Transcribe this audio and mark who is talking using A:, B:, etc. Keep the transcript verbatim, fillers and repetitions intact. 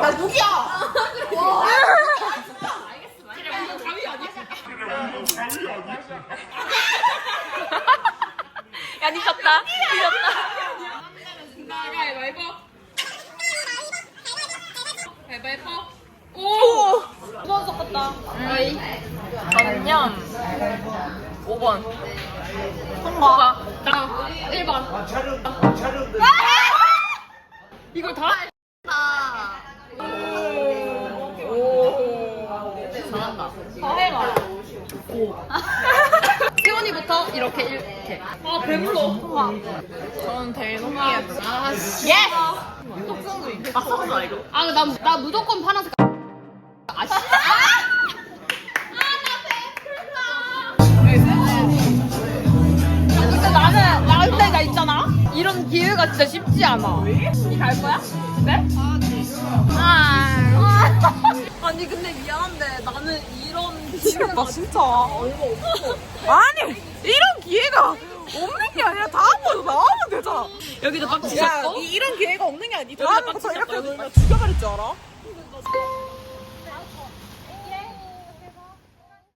A: 나 누구야? 와.
B: 야, 니 졌다. 니 졌다.
C: 가위바위보. 가위바위보. 오!
B: 무서워서 컸다. 저는요. 오 번. 통과.
C: 나 일 번.
B: 이걸 다? 오. 잘한다. 더 해봐.
C: 세원이부터 이렇게 이렇게.
B: 아, 배불러. 통과. 저는 대동이야.
C: 아, 씨.
B: 예! 똑성도 있고. 아, 썩었어, 이거.
C: 아, 나, 나 무조건 파란색. 아, 씨.
B: 근데 나는, 나 근데 나 있잖아? 이런 기회가 진짜 쉽지 않아. 니 갈 거야? 네? 아. 아니, 근데 미안한데 나는 이런 기회가 진짜 얼마 없어. 아니, 이런 기회가 없는 게 아니라 다음부터 나오면 되잖아. 여기도 빡 치셨고?
A: 이, 이런 기회가 없는 게 아니.
B: 다음부터 이렇게 놀면 죽여버릴 줄 알아?